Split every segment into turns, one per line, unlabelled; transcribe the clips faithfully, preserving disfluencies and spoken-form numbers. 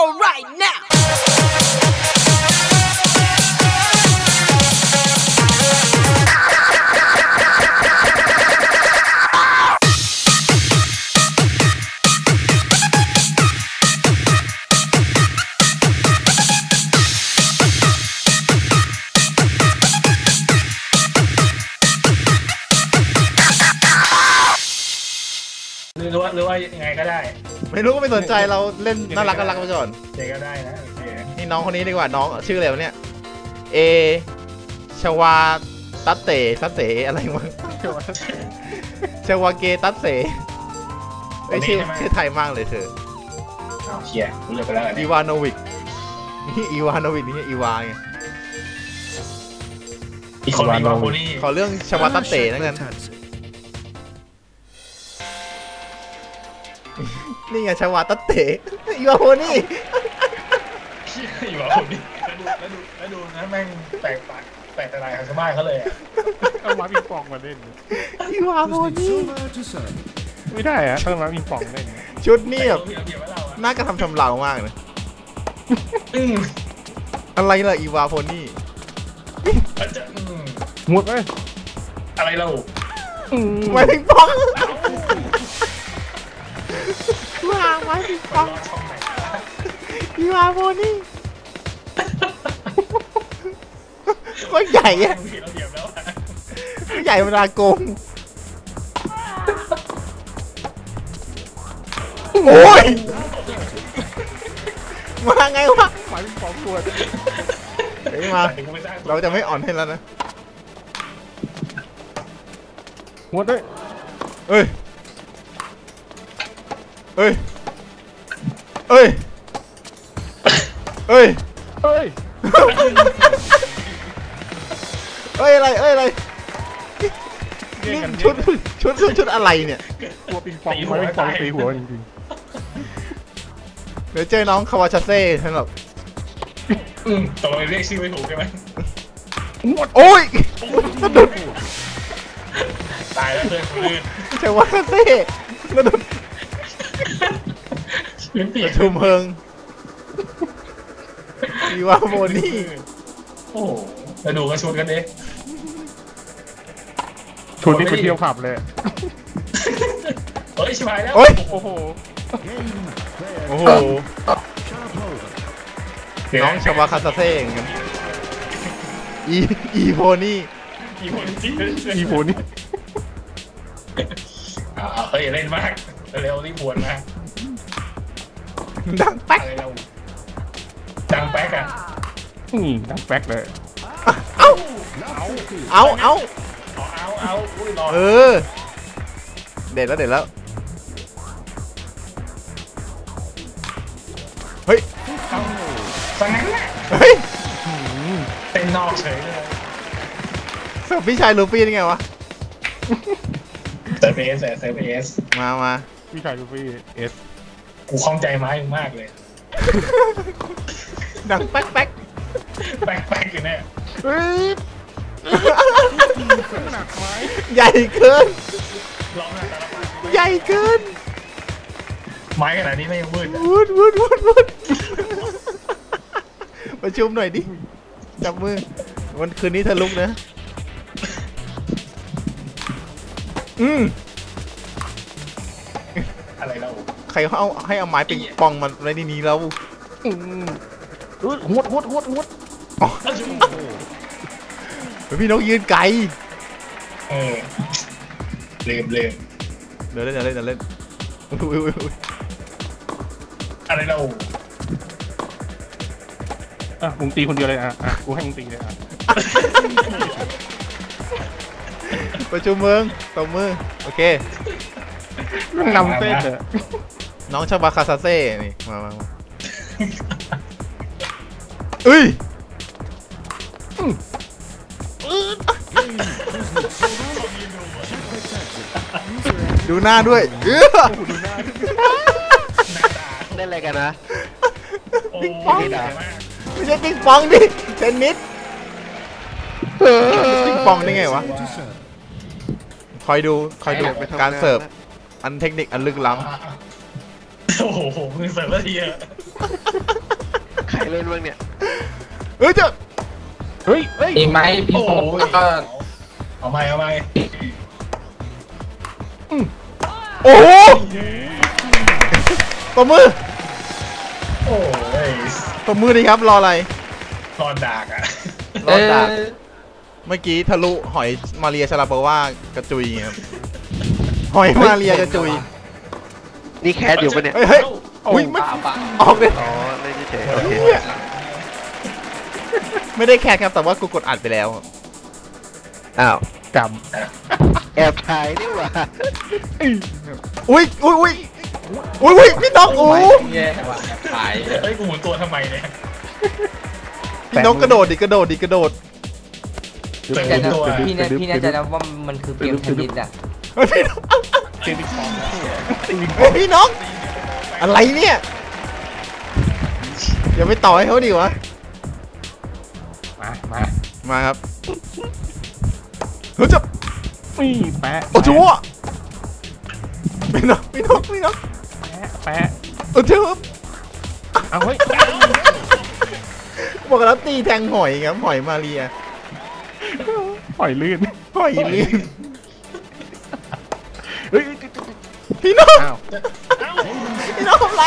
floor right now.
หรือว่าหรือว่ายังไงก็ได้
ไม่รู้ก็ไม่สนใจเราเล่นน่ารักน่ารักไปก่อน
ยังไงก็ได้นะ
นี่น้องคนนี้ดีกว่าน้องชื่ออะไรวะเนี่ยเอชวาตัตเตตัตเตอะไรวะชวาเกตัตเตไอชื่อชื่อไทยมากเลยเธอ
เชียร์รู้เลยไปแล้ว
อีวานโนวิกนี่อีวานโนวิกนี่อีวาไง
อีคนอีวานโนวิก
ขอเรื่องชวาตัตเตนั่นกันนี่ไงชาวาตัตเตอีวาโฮนี่
อีวาโฮนี่แล้วดูแล้วดูแล้วดูนะแม่งแปลกปากแปลกแต่ไหนของชาวบ้านเขาเลย
เอามาปิงปองมาเล่น
อีวาโฮนี่
ไม่ได้อะต้องมาปิงปองเล่น
ชุดนี่แบบน่ากระทำชำเรามากนะอะไรล่ะอีวาโฮนี่
หมดเลย
อะไรเรา
ไม่ปิงปองว้าวไม้ปิงปองอีวาโฮนี่ก็ใหญ่อะใหญ่เวลาโกงโอ้ยมาไงวะ
หมายถึงปอมปวด
เฮ้ยมาเราจะไม่อ่อนให้แล้วนะ
หมดเลย
เอ้ยเอ้ยเอ้ยเอ้ย
เอ้ย
เอ้ยอะไรเอ้ยอะไรนี่ชุดชุดชุดชุดอะไรเนี่ย
ตัวปิงปองไม้ปิงปองตีหัวจริง
ๆเดี๋ยวเจอน้องคาวาชาเซ่ฉันแบบ
อืมต่อไปเรียกชื่อไม่ถูกใช่ไหม
หมดโอ้ยสะดุด
ตายแล้วเพื่อนคนอื่น
คาวาชาเซ่สะดุดประชุมเพิงอีวาโมนี่
โอ้มาดูกันชวนกันดิ
ชวนนี่ไปเที่ยวผับเลย
เฮ้ยชิบหายแล้ว
โอ้
โอ้โห
โอ้โหน้องชาวาคาซาเซ่กันอีอีโพนี่
อีโพนี่
อีโพนี่
อ่าเฮ้ยเล่นมากเร็วรีบปวดมา
ดังแป๊ก
ดังแป๊กอ่ะ
อืมดังแป๊กเลย
เอาเอาเอา
เอาเอา
เออเด็ดแล้วเด็ดแล้วเฮ้ย
สังนั้น
เฮ้ย
เป็นนอกเฉยเลย
สพี่ชายลูฟี่นี่ไงวะ
เซอร์เฟสเซอร์เฟส
มามา
พี่ชายลูฟี่เอส
กูคล่องใจไม้มากเลย
ดังแป๊กแป๊ก
แป๊กแป๊กอยู่เนี่ย
เฮ้ยใหญ่เกินใหญ่เกิน
ไม้ขนาดนี้ไม่ยังมืด
วุดวุดวุดวุดประชุมหน่อยดิจับมือวันคืนนี้เธอลุกนะอืม
อะไรเรา
ใครเขาเอาให้เอาไม้ปิงปองมันในที่นี้แล้ว
อืมหดหดหดหด
พี่นกยืนไกล
เออเล่นเล่น
เดี๋ยวเล่นเดี๋ยวเล่นเดี๋ยวเล่น
อะไรเรา
อ่ะมึงตีคนเดียวเลยอ่ะอ่ะกูให้มึงตีเลยอ่ะ
ประชุมเมืองตบมือโอเคน
ำเต้นเลย
น้องชาบาคาซาเซ่นี่มามาเอ้ยดูหน้าด้วย
เล่นอะไรกันนะ
ปิงปองไม่ใช่ปิงปองดิเทนนิสปิงปองได้ไงวะคอยดูคอยดูการเสิร์ฟอันเทคนิคอันลึกล้
ำโอ้โหมึงเสิร์ฟแล้วทีอะ
รเล่นบ้างเนี่ย
เฮ้ยจะ
เฮ้ยเฮ้ย
มีไหมพี่
โอ้
โป๊
ย
ก็
เอาไหมเอาไหม
โอ้โหตบมือ
โอ้ย
ตบมือดีครับรออะไร
นอนดากอ่ะ
รอดดัก
เออ
เมื่อกี้ทะลุหอยมาเรียชาลาโปว่ากระจุยครับหอยมาเรียกระจุย
นี่แคสอยู่ปะเนี่ย
เฮ้ยเฮ้ยอุ้ยไม่
ป่าป่า
ออกเลย
อ๋อเล่นเฉยๆโอเค
เนี่ยไม่ได้แคร์ครับแต่ว่ากูกดอัดไปแล้ว
อ้าว
ก
แอบถ่ายนี่หว่า
อุ้ยอุ้ยอุ้ยอุ้ยอุ้ยพี่นกโอ้
แย่ว่ะขาย
เฮ้ยกูหมุนตัวทำไมเนี่ย
พี่นกกระโดดดิกระโดดดิกระโดด
เสร็จ
แต่
หมุนตัว
พี่เนี่ยพี่แน่ใจนะว่ามันคือเกมเทนนิสอ่ะ
เฮ้ยพี่นก
ำเจมิคอน
เฮ้ยพี่นกอะไรเนี่ยอย่าไปต่อให้เขาดิวะ
มามา
มาครับเฮ้ยจะ
นี่แปะ
โอ้ชัวพี่นกพี่นกพี่นก
แปะแปะ
โอ้ชัว
เอาเฮ้ย
บอกแล้วตีแทงหอยครับหอยมาเรีย
ปล่อยลื่น
หอยลีน
เฮ้ย
พี่นก
อ้าว
พี่นกทำไร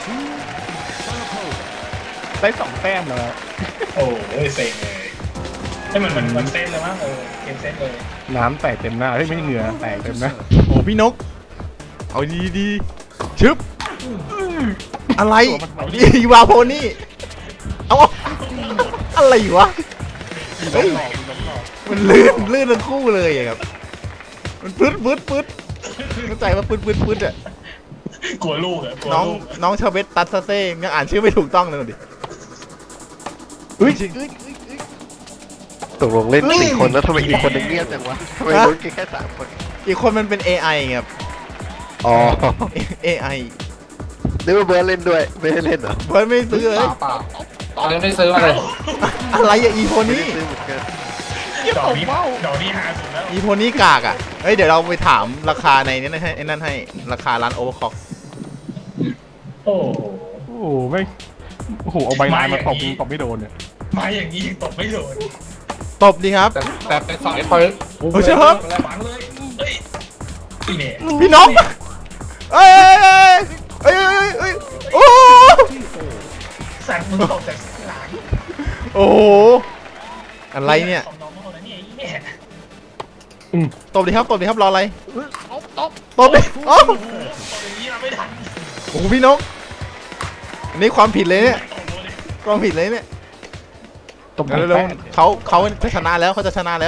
ได้สองแต้มแล้ว
โอ้ยเซ็งเลยให้มันมันมันเส้นเลยมั้งเออเกมเส้นเลย
น้ำแตกเต็มหน้าเฮ้ยไม่ใช่เหงื่อแตกเต็มหน้า
โอ้พี่นกเอาดีดีๆชึบอะไรอีวาโพนี่เอาอะไรวะเฮ้ยมันลื่นลื่นทั้งคู่เลยอะครับมันปื๊ดปื๊ดปื๊ดเข้าใจว่าปื๊ดปื๊ดปื๊ดอะ
กลัวลูกอ่ะกลัว
น้อง
ลูก
น้องชาเวตตัสเซ่ยังอ่านชื่อไม่ถูกต้องเลยดิ
เฮ้ย
ตกลงเล่นสี่คนแล้วทำไมอีกคนนึงเงียบจังวะทำไมรู้แค่สามคน
อีกคนมันเป็น เอ ไอ ครับ
อ๋อ
เอ ไอ
นึกว่าเบิร์ดเล่นด้วยไม่ได้เล่นเหรอ
เบิร์ดไม่ซื้อเลย
ป่าป่าตอนนี้ไม่ซื้อมาเลย
อะไรอะอีโพ
ไม่
นี่
ได้ซื้อเหมือนกัน
ดอกนี้ดอกนี้หาสุดแล้ว
อีโพนี่กากอะเฮ้ยเดี๋ยวเราไปถามราคาในนี้นะให้ไอ้นั่นให้ราคาร้านโอเวอร์คล็อก
โอ้โห
โอ้โหไม่โอ้โหเอาใบลานมาตบตบไม่โดนเนี่ย
มาอย่างนี้ยังตกไม่โดน
ตบดีครับ
แต่แต่เป็นสายเปิด
โอ้เชิญครับ
ฝังเลยเฮ้ยนี่เนี่ย
พี่น้องเอ้ยเอ้ยเอ้ยเอ้ยโอ้
สั่งมึงตกจากหลัง
โอ้โหอะไรเนี่ย
ของน้องเขาแล้วเนี่ยไอ้เนี่ย
ตบดีครับตบดีครับรออะไรตบดิโอ้
ตกอย่างนี้เราไม่ทัน
โหพี่นกอันนี้ความผิดเลยเนี่ย
ตกเลย
ความผิดเลยเนี่ย
ตบ
เร็วๆเขาเขาจะชนะแล้วเขาจะชนะแล้ว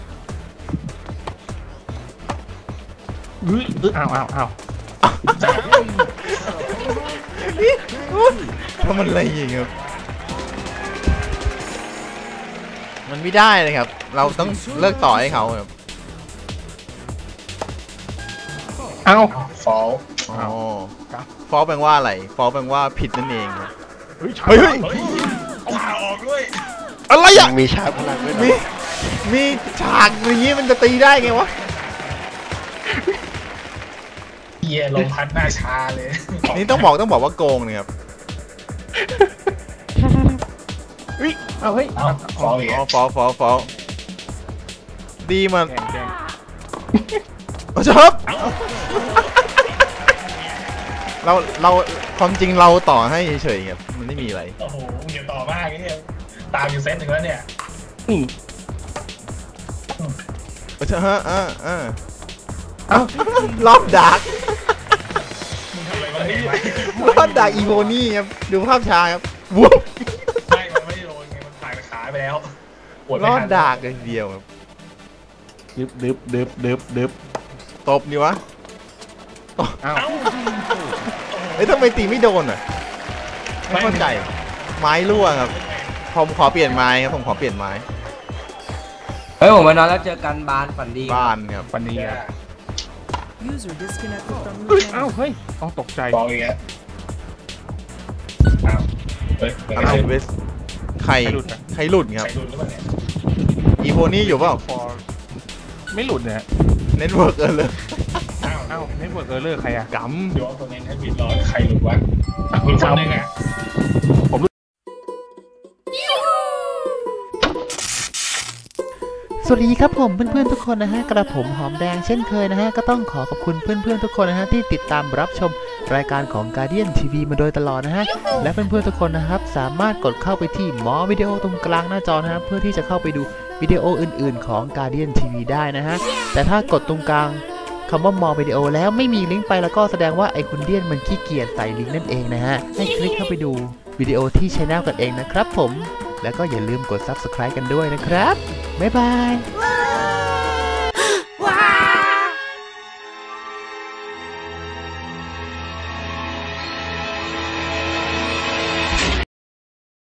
เฮ้ยอ้าวอ้าวอ้าว
ทำมันอะไรอย่างเงี้ยครับมันไม่ได้เลยครับ เราต้องเลิกต่อให้เขาครับ
อ้าว
ฟอล
อ๋อฟอลแปลว่าอะไรฟอลแปลว่าผิดนั่นเองครับ
เฮ้ย
เฮ้ยเฮ้ย
เฮ้ยผ่าออกด้วย
อะไร
ยั
อ่ะ
งมีชาร์จพลังด้วย
มี
นะ
มีฉากอย่างงี้มันจะตีได้ไงวะ
เฮียลมพัดหน้าชาเลย
นี่ต้องบอกต้องบอกว่าโกงเนี่ยครับ
เฮ้ยเอาเฮ้ย
เอ้าฟอลอีก
อ๋อฟอลฟอลฟอลดีมัน
แดงแดง
โอ้ชอบเราเราความจริงเราต่อให้เฉยๆครับมันไม่มีอะไร
โอ้โหมึงอย่าต่อมากไอ้เนี่ยตามอยู่เซตหนึ่งแล้วเนี่ย
อืม
โอ้ชอบฮะอ่าอ่าเอ้ารอบดัก
มึงทำอะไรวะเนี่ย
รอบดักอีโวนี่ครับดูภาพช้าครับวุ้บ
ไม่มันไม่ได้โดนไงมันผ่านขาไปแล้วปวด
ร
ไม่
อ
ทั
ด
น
ดักเลยทีเดียวครับ
ดึบดึบดึบดึบดึบ
ตบดีวะ
อ้าว
เอ้า
เอ้ยทำไมตีไม่โดนอ่ะไม่เข้าใจไม้รั่วครับผมขอเปลี่ยนไม้ครับผมขอเปลี่ยนไม้
เฮ้ยผมมานอนแล้วเจอกันบานฝันดี
บ้านครับ
ปันนี้
เนี่ย
อ่ะ
User disconnected from
เฮ้ย
the
อ้าว
channel.
เฮ้ยต้องตกใจ
ฟอลอีกแล้วอ้าวเฮ้ยเป็น
อะไร
ไง
เวสใครใครหลุดครับ
ใส่ดุลหรือเปล่าเนี่ย
อีโพนี่อยู่เปล่า
ฟอร์ไม่หลุดเนี่ย
เน็ตเวิร์กเออเลย
อ้าว
อ้าวเน็ตเวิร์กเออร์เลอร์ใครอ่ะ
ก
เดี๋ยวเอาตัวนี้ให้บิดรอใครหลุดวะหลุดคนหนึงอ่ะ
สวัสดีครับผมเพื่อนๆทุกคนนะฮะกระผมหอมแดงเช่นเคยนะฮะก็ต้องขอขอบคุณเพื่อนๆทุกคนนะฮะที่ติดตามรับชมรายการของ Guardian ที วี มาโดยตลอดนะฮะและเพื่อนๆทุกคนนะครับสามารถกดเข้าไปที่หมอวิดีโอตรงกลางหน้าจอนะฮะเพื่อที่จะเข้าไปดูวิดีโออื่นๆของ Guardian ที วี ได้นะฮะแต่ถ้ากดตรงกลางคำว่ามอวิดีโอแล้วไม่มีลิงก์ไปแล้วก็แสดงว่าไอคุณเดียนมันขี้เกียจใส่ลิงก์นั่นเองนะฮะให้คลิกเข้าไปดูวิดีโอที่ช anel กันเองนะครับผมแล้วก็อย่าลืมกด ซับสไครบ์ กันด้วยนะครับบ๊ายบาย